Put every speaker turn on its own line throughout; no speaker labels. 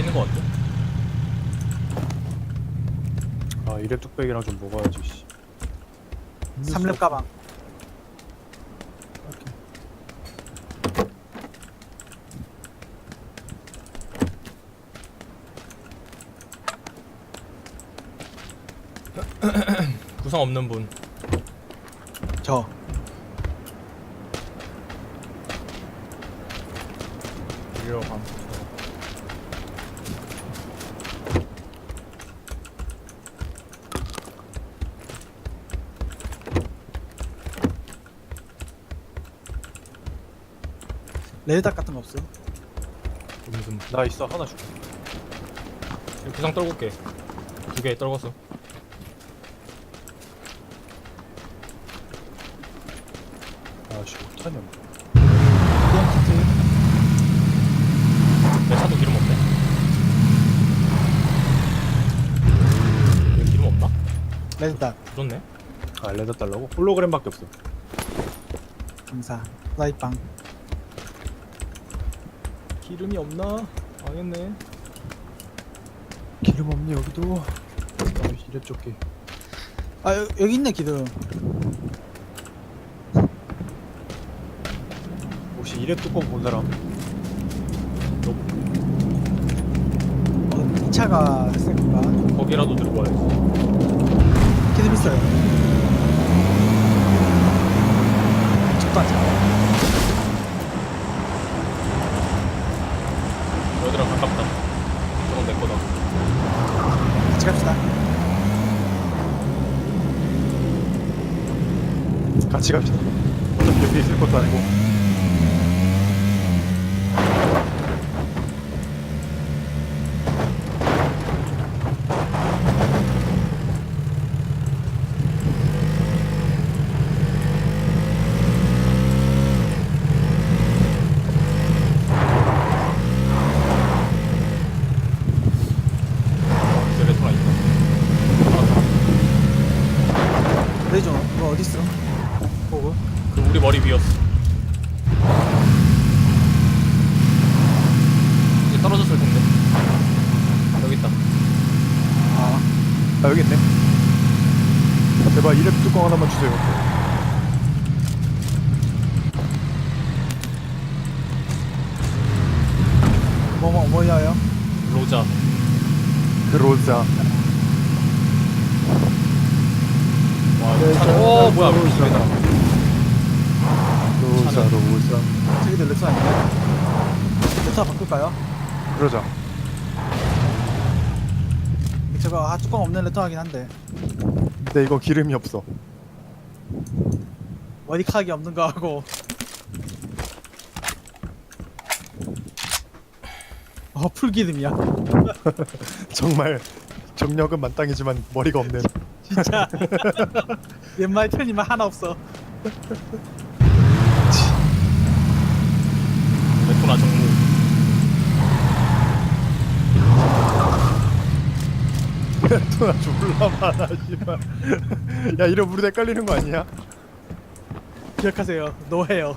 있는 것 같아.
아 이래 뚝배기랑 좀 먹어야지. 씨.
3렙 가방.
구성 없는 분.
저.
이리로 감.
레드닥 같은 거 없어?
무슨
나 있어 하나 줄게.
구상 떨굴게. 2개 떨궜어.
아씨 못하냐.
이런 키트.
내 차도 기름 없네. 왜 기름 없나?
레드닥.
좋네.
아 레드 달라고? 홀로그램밖에 없어.
감사. 프라이빵.
기름이 없나? 망했네.
기름 없니 여기도? 아 이래 쫓기.
아 여기 있네 기둥.
혹시 이래 뚜껑 본 사람?
이 차가 쓸 건가?
거기라도 들고 와야지.
기둥 있어요. 적도 안 차.
여기랑 가깝다. 저건 내 거다.
같이 갑시다.
같이 갑시다. 어차피 여기 있을 것도 아니고.
이제 레토나 있다.
레이저 이거 어디 있어? 보고.
그 우리 머리 위였어. 이제 떨어졌을 텐데. 여기 있다.
아
아 여기 있네. 아, 제발 이래 뚜껑 하나만 주세요.
뭐야요?
로자.
그로자.
와,
네,
차.
저-
오, 뭐야?
로자.
기름이다.
로자 로자.
저기도 레터 아닌가? 레터 바꿀까요?
그러자.
저거 뚜껑 없는 레터 하긴 한데
근데 이거 기름이 없어.
머리카락이 없는 거 하고. 풀기름이야.
정말 정력은 만땅이지만 머리가 없는.
진짜. 왼말 편이면 하나 없어.
레토나 정무.
또 졸라 많아 씨발. 야 이러면 우리 헷갈리는 거 아니야?
기억하세요. 노해요.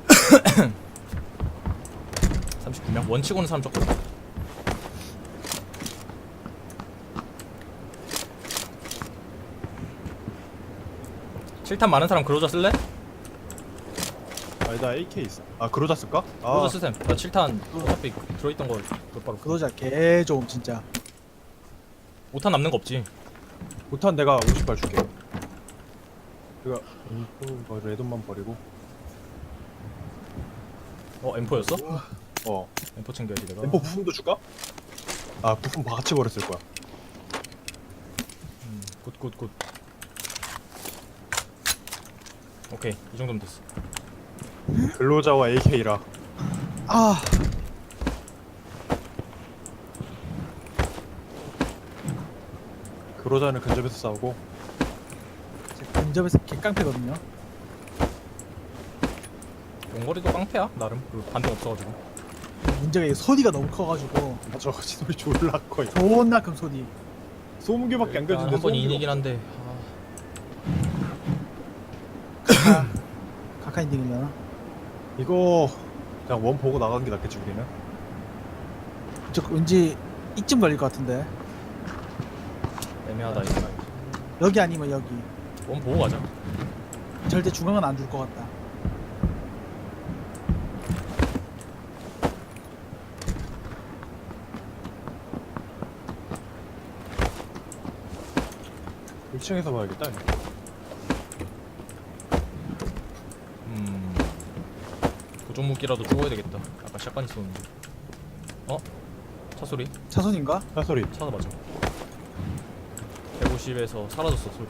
39명? 원치고는 사람 적거든. 칠탄 많은 사람 그로자 쓸래?
아니 나 AK 있어. 아 그로자 쓸까?
그로자 쓰셈. 나 칠탄 어차피 들어있던 거 바로.
그러자 개 좋음 진짜.
5탄 남는 거 없지.
못한 내가 50발 줄게. 이거 이거 레돈만 버리고.
M4였어?
어.
M4 챙겨야지 내가.
엠포 부품도 줄까? 아 부품 같이 버렸을 거야.
굿. 오케이, 이 정도면 됐어.
근로자와 AK라.
아
근로자는 근접에서 싸우고.
제가 근접에서 개깡패거든요.
원거리도 깡패야 나름. 그 반동 없어가지고.
문제가 이 소리가 너무 커가지고
저 소리 졸라 커.
존나 큰 소리.
소음기밖에 안 껴지는데
한번
소음기가
인이긴 한데.
카카인딩이려나?
이거 그냥 원 보고 나가는 게 낫겠지 우리는.
저 왠지 이쯤 걸릴 것 같은데.
애매하다 이거.
여기 아니면 여기.
원 보고 가자.
절대 중앙은 안 줄 것 같다.
일 1층에서 봐야겠다.
고종무기라도 죽어야 되겠다. 아까 샷건 있었는데. 어? 차 소리?
차선인가?
차 소리.
차다 맞아. 150에서 사라졌어 소리.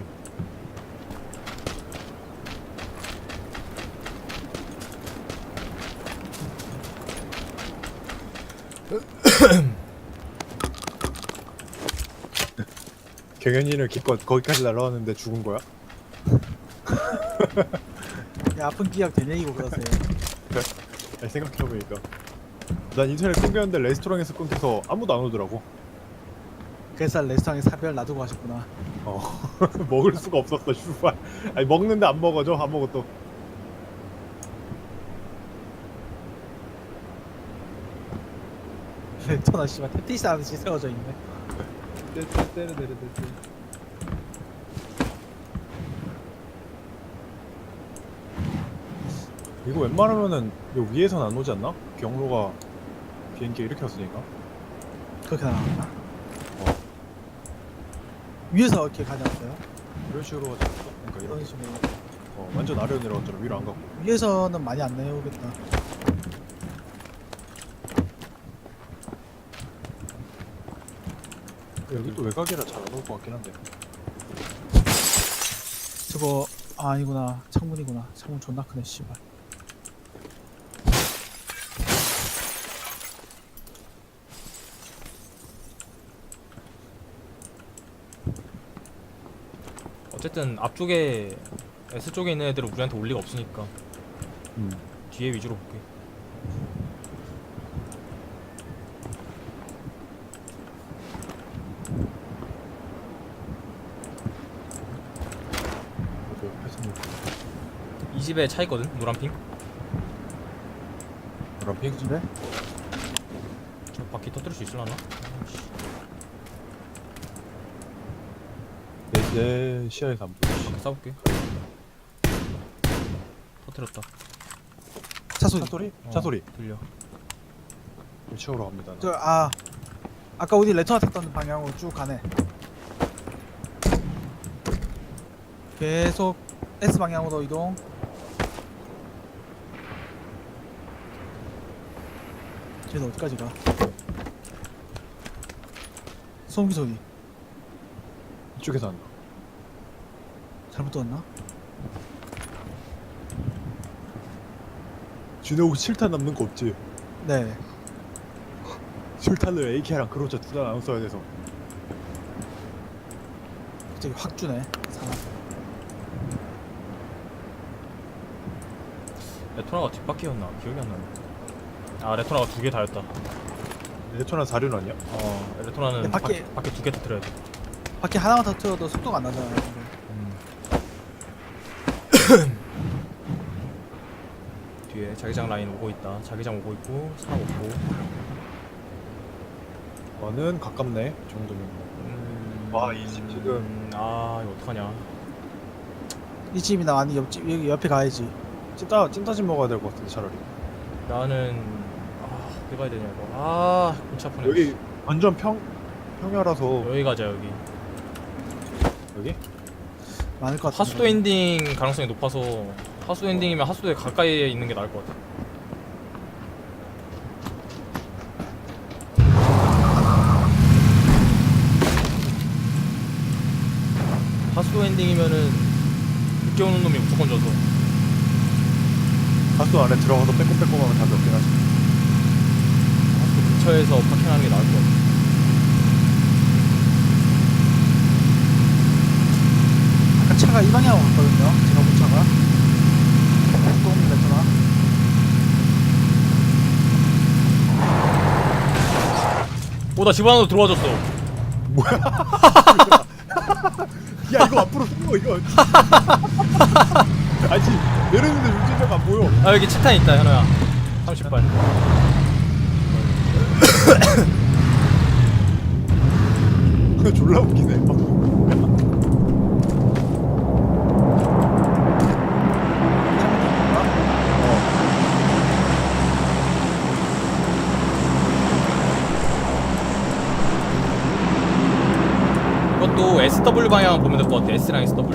경현이는 기껏 거기까지 날라왔는데 죽은 거야?
야, 아픈 기억 되뇌이고 그러세요.
아니, 생각해보니까 난 인터넷 끊겼는데 레스토랑에서 끊겨서 아무도 안 오더라고.
그래서 레스토랑에 사별 놔두고 가셨구나.
먹을 수가 없었어 슈발. 아니 먹는데 안 먹어져 아무것도.
레토나 씨발 테티스 하듯이 세워져 있네.
이거 웬만하면은 요 위에선 안 오지 않나? 경로가 비행기 이렇게 왔으니까.
그렇게 나왔나? 위에서 이렇게 가져왔어요?
이런 식으로 하지 않았어? 그러니까
이런
이렇게
식으로.
완전 아래로 내려갔잖아. 위로 안 가고.
위에서는 많이 안 내려오겠다.
여기 또 외곽이라 잘 안 올 것 같긴 한데.
저거 아니구나. 창문이구나. 창문 존나 크네 씨발.
어쨌든 앞쪽에 S 쪽에 있는 애들은 우리한테 올 리가 없으니까
음.
뒤에 위주로 볼게.
그래도 옆에서는
이 집에 차 있거든. 노란핑.
그런 핑.
그래?
저 바퀴 터뜨릴 수 있을라나? 아이씨.
내 시야에서 안 보여.
바퀴 쏴볼게. 터뜨렸다.
차 소리.
차 소리?
어,
차 소리.
들려.
위치으로 갑니다. 나.
저 아까 우리 레토나 탔던 방향으로 쭉 가네. 계속 S 방향으로 이동. 쟤는 어디까지 가? 소음기 소리.
이쪽에서 한다.
잘못 들었나?
준호 혹시 7탄 남는 거 없지?
네.
7탄을 AK랑 그로자 둘 다 나눠 써야 돼서.
갑자기 확 주네. 사람.
레토나가 뒷바퀴였나? 기억이 안 나네. 아 레토나가 두 개 다였다.
레토나 4륜 아니야?
레토나는
근데
바퀴 두 개 터뜨려야 돼.
바퀴 하나만 더 틀어도 속도가 안 나잖아요. 근데.
뒤에 자기장 라인 오고 있다. 자기장 오고 있고 차 오고.
나는 가깝네. 이 정도면. 와, 이집 지금.
아 이거 어떡하냐.
이 집이나 아니 옆집 여기 옆에 가야지.
찐따집 먹어야 될 것 같은데 차라리.
나는 어디 가야 되냐 이거. 골치 아프네.
여기 완전 평야라서.
여기 가자 여기.
여기?
많을 것 같아.
하수도 엔딩 가능성이 높아서 하수도 엔딩이면 하수도에 가까이에 있는 게 나을 것 같아. 하수도 엔딩이면은 늦게 오는 놈이 무조건 져서.
가수 안에 들어가서 빼꼼빼꼼하면 답이 없긴 하지.
하수도 근처에서 파킹하는 게 나을 것 같아.
아까 차가 이 방향으로 갔거든요. 제가 본 차가. 또 레토나.
나 집 안으로 들어와줬어.
야 이거 앞으로 숨어 이거. 아니 내렸는데 운전자가 안 보여.
여기 칠탄 있다 현호야. 30발.
동네 졸라 웃기네.
이것도 SW 방향 보면 될 것 같아. S랑 SW.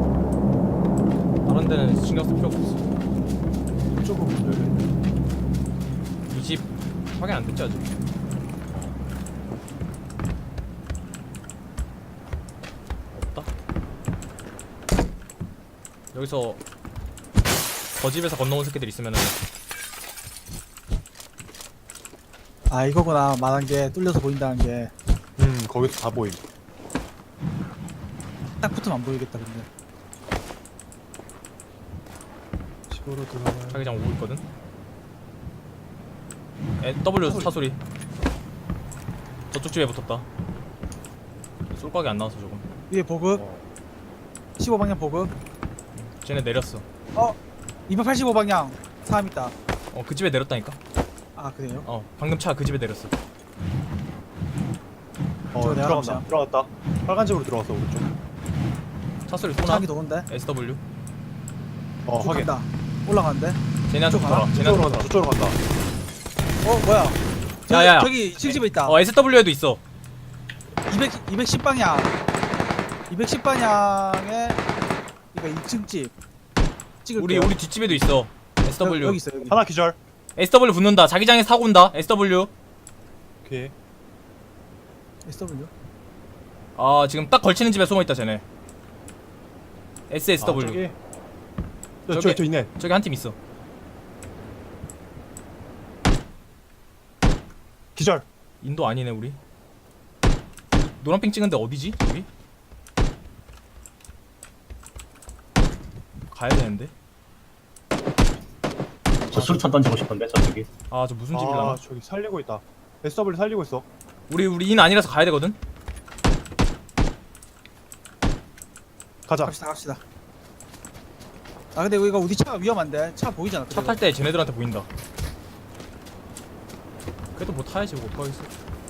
다른 데는 신경 쓸 필요 없어.
이쪽은 문제네.
이 집 확인 안 됐지 아직. 없다. 여기서 저 집에서 건너온 새끼들 있으면은
아 이거구나 말한 게 뚫려서 보인다는 게.
거기서 다 보임.
딱 붙으면 안 보이겠다 근데.
집으로 들어가야.
자기장 오고 있거든. W 차 소리. 저쪽 집에 붙었다. 쏠각이 안 나와서 조금.
위에 보급. 15방향 보급.
쟤네 내렸어.
285방향 사람 있다.
그 집에 내렸다니까.
아 그래요?
방금 차 그 집에 내렸어.
저거 내가
들어간다.
감시야.
들어갔다. 빨간색으로 들어갔어 오른쪽.
차 소리 쏘나?
차기 도는데.
SW.
확인.
간다. 올라가는데.
쟤네한테
저쪽
붙어라.
가나?
쟤네한테
저쪽으로 간다.
붙어라.
저쪽으로 간다.
뭐야?
야야야.
저기 칠집에 있다.
SW에도 있어.
210방향. 210방향에 이거 2층 집. 찍을게요.
우리 뒷집에도 있어. SW.
여기 있어 여기.
하나 기절.
SW 붙는다. 자기장에 사고 온다. SW.
오케이.
SW.
지금 딱 걸치는 집에 숨어 있다 쟤네. SSW.
저기.
저기-
저 있네.
저기 한 팀 있어.
기절.
인도 아니네 우리. 노란핑 찍은데 어디지? 저기? 가야 되는데.
저 수류탄 던지고 싶은데 저쪽이.
저 무슨 집이려나?
저기 살리고 있다. SW 살리고 있어.
우리 인 아니라서 가야 되거든.
가자.
갑시다. 아 근데 이거 우리 차 위험한데. 차 보이잖아.
차 탈 때 쟤네들한테 보인다. 그래도 뭐 타야지 뭐 어떡하겠어.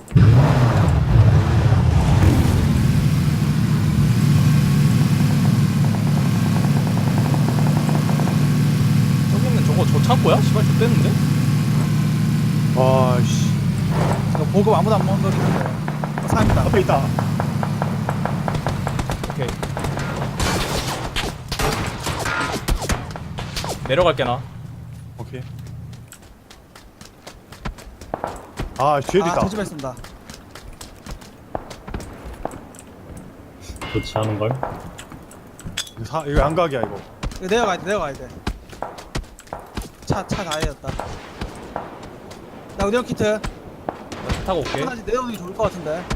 저기 있는 저거 저 창고야? 씨발 좆됐는데?
아씨.
이거 보급 아무도 안 먹는 거리 있는데. 사람 있다.
앞에 있다.
오케이. 내려갈게 나.
오케이. 뒤에도 있다.
저 집에 있습니다.
좋지 않은 걸.
이거 양각이야 이거.
이거 내려가야 돼. 차 다 해졌다. 나 의료 키트.
타고 올게.
하나씩 내려오는 게 좋을 것 같은데.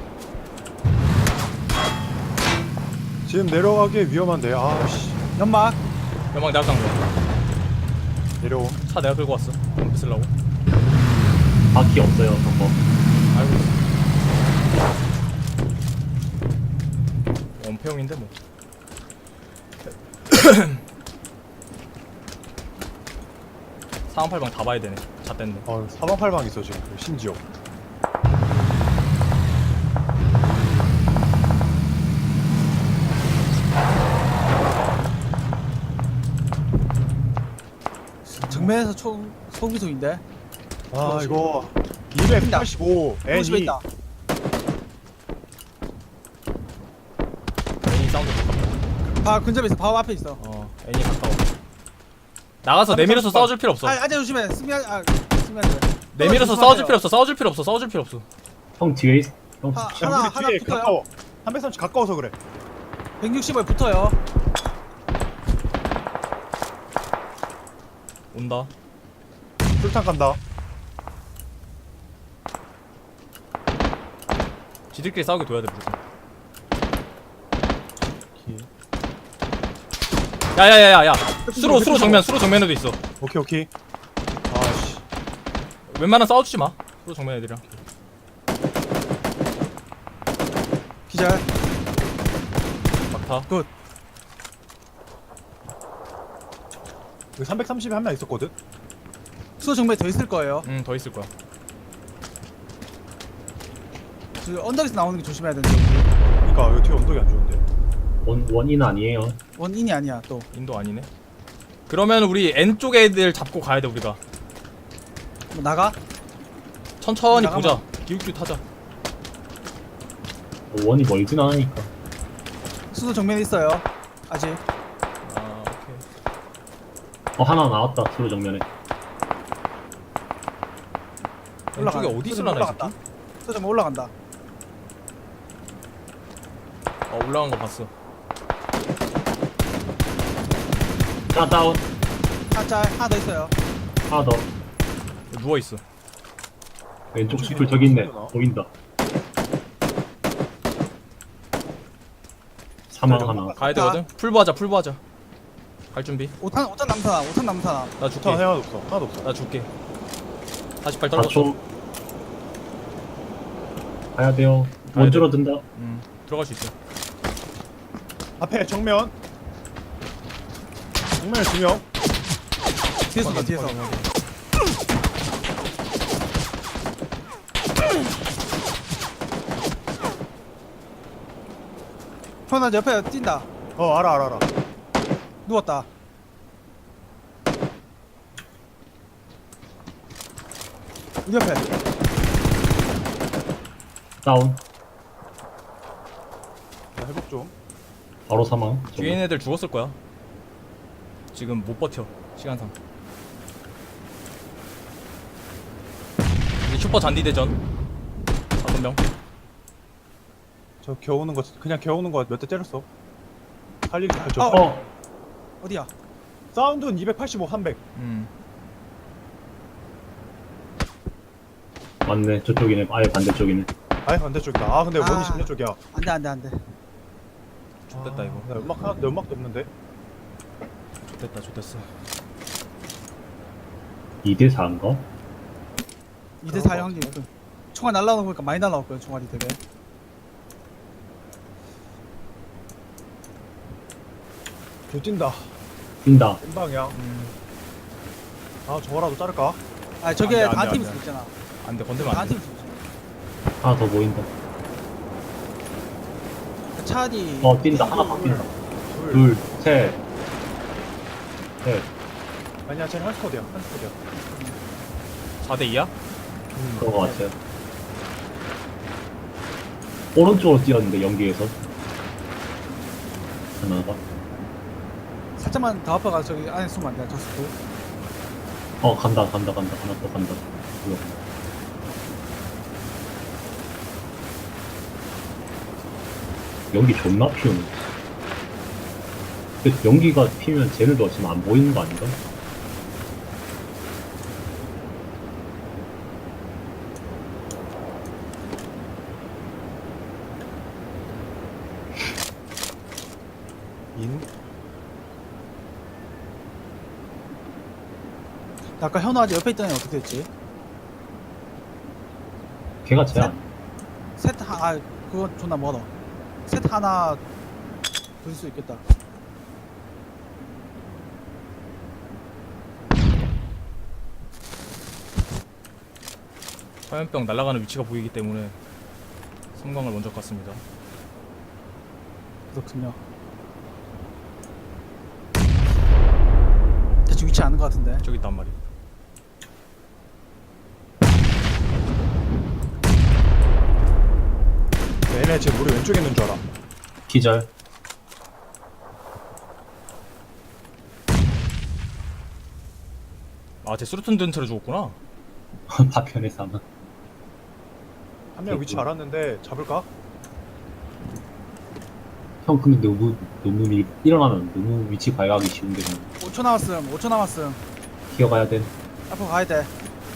지금 내려가기 위험한데. 아씨.
연막.
연막 내가 간 거야.
내려오.
차 내가 끌고 왔어. 덤프 쓰려고.
바퀴 없어요 저거.
알고 있어. 원패용인데 뭐. 상황팔방 다 봐야 되네. 잣댄데.
사방팔방 있어 지금. 심지어.
정면에서 소기소인데.
이거 285
그 집에
N2.
있다.
애니 사운드.
바 근접에 있어. 바로 앞에 있어.
애니 가까워. 나가서 내밀어서 싸워줄 필요 없어.
아재 조심해. 스미야 돼.
내밀어서 싸워줄 필요 없어. 싸워줄 필요 없어.
형 뒤에 형
하-
야,
하나
우리 뒤에
붙어요.
가까워. 330 가까워서 그래.
160에 붙어요.
온다.
술탄 간다.
지들끼리 싸우게 둬야 돼 무조건. 야야야야야. 수로 정면에도 있어.
오케이. 아씨.
웬만하면 싸워주지 마. 수로 정면 애들이랑.
기절.
막타.
여기 330에 한 명 있었거든.
수호 정면에 더 있을 거예요.
더 있을 거야.
저 언덕에서 나오는 게 조심해야 되는데.
그러니까 여기 뒤에 언덕이 안 좋은데.
원인 아니에요.
원인이 아니야 또.
인도 아니네. 그러면 우리 N 쪽 애들 잡고 가야 돼 우리가.
뭐 나가?
천천히
나가면-
보자. 기웃기웃 하자.
원이 멀진 않으니까.
수도 정면에 있어요. 아직.
아 오케이.
하나 나왔다. 수로 정면에.
N 쪽에 어디 있으려나 이 새끼?
수도 정면 올라간다.
올라간 거 봤어.
하나 다운.
하나 하나 더 있어요.
하나 더.
누워 있어.
왼쪽 숲을 저기 있네. 보인다. 사망 하나.
가야 되거든. 풀보하자 풀보하자. 갈 준비.
5탄 남사나. 5탄 남사나.
나 줄게.
전 하나도 없어. 하나도 없어.
나 줄게. 48 떨궜어.
4초. 가야 돼요.
가야
원
돼.
줄어든다.
들어갈 수 있어.
앞에 정면. 정면에 2명.
뒤에서 봐 뒤에서. 현아 옆에 뛴다.
알아.
누웠다. 우리 옆에.
다운.
나 회복 좀.
바로 사망.
뒤에 있는 애들 죽었을 거야. 지금 못 버텨. 시간상. 이제 슈퍼 잔디 대전. 5명.
저 겨우는 거 그냥 겨우는 거 몇 대 때렸어. 살리기 저
어디야?
사운드는 285, 300.
맞네. 저쪽이네. 아예 반대쪽이네.
아예 반대쪽이다. 아 근데 원이
아.
10년 쪽이야.
안돼.
좋됐다 이거.
나 연막 하나 연막도 없는데.
좋됐다 좋됐어.
2대 4인가?
2대 4의 확률. 총알 날라오는 거 보니까 많이 날라왔고요. 총알이 되게.
저 뛴다.
뛴다.
인 방향. 아 저거라도 자를까?
아 저게
안 돼,
다
안 돼,
팀
안 돼.
있잖아.
안돼 건들면
다
안돼.
팀 있어.
하나 더 보인다.
차디.
뛴다. 하나 더 뛴다.
둘.
둘, 셋. 셋.
아니야 쟤는 한 스쿼드야. 한 스쿼드야.
4대 2야?
그런 거 같아요. 오른쪽으로 뛰었는데, 연기에서. 하나가.
살짝만 더 앞에 가서 저기 안에 숨으면 안 돼. 저 스도.
간다. 하나 더 간다. 뭐야. 연기 존나 피우네. 근데 연기가 피면 쟤네도 지금 안 보이는 거 아닌가?
인.
아까 현우 아직 옆에 있던 애 어떻게 됐지?
걔가 쟤야.
그건 존나 멀어. 셋 하나 부술 수 있겠다.
화염병 날아가는 위치가 보이기 때문에 섬광을 먼저 갔습니다.
그렇군요. 대충 위치 아는 것 같은데.
저기 있단 말이야.
얘네 지금 우리 왼쪽에 있는 줄 알아.
기절.
쟤 수류탄 든 채로 죽었구나.
파편의 사망.
한 명 위치 알았는데 잡을까?
형, 근데 너무 일어나면 너무 위치 발각하기 쉬운데, 그냥
5초 남았음. 5초 남았음.
기어가야 돼.
앞으로 가야 돼.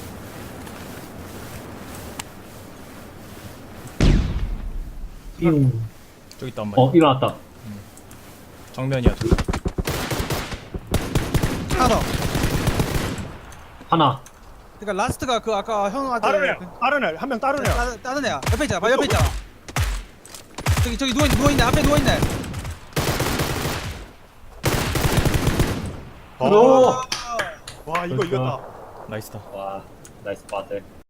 삐용.
저기 있단 말이야.
일어났다.
정면이야 저기.
하나 더.
하나.
그러니까 라스트가 그 아까 현우한테
다른 애, 한 명 다른 애야.
다른 애야. 옆에 있잖아. 바로 옆에 있잖아. 저기 누워있네. 앞에 누워있네.
와 이거 이겼다.
나이스다.
와, 나이스 바들.